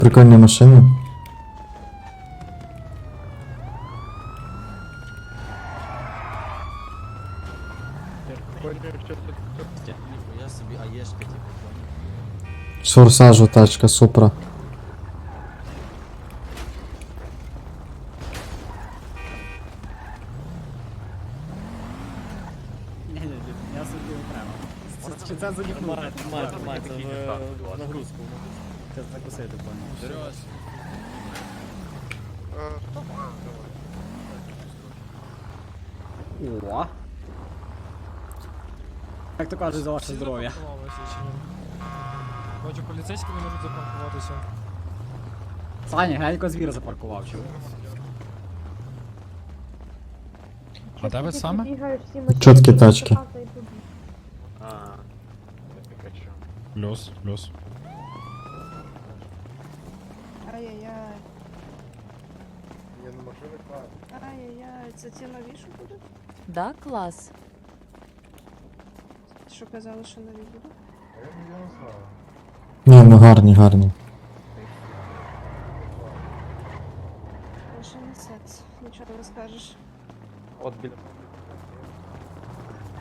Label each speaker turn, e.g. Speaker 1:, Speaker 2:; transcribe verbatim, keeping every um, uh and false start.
Speaker 1: Прикольні машини.
Speaker 2: Я собі аєшка, типу, понял?
Speaker 1: З форсажу тачка, супра.
Speaker 3: Ні-ні, я собі окремо. Це- Чи це занюхнути?
Speaker 2: Тримай, тримай, це в нагрузку.
Speaker 3: Це закусити, понял.
Speaker 2: Серйозно.
Speaker 3: О! Як то кажуть, за ваше здоров'я.
Speaker 4: Бачу, поліцейські не можуть запаркуватися.
Speaker 3: Саня, глянь, звір запаркував, чув.
Speaker 5: А де ви саме?
Speaker 1: Чіткі тачки.
Speaker 5: Плюс, плюс.
Speaker 6: Ай-яй-яй. Ай-яй-яй, це ті нові, що будуть?
Speaker 7: Да, клас.
Speaker 6: Що казали, що нові будуть?
Speaker 1: Ні, ну гарні, гарні.
Speaker 6: Лише не секс, нічого не скажеш.
Speaker 2: От біля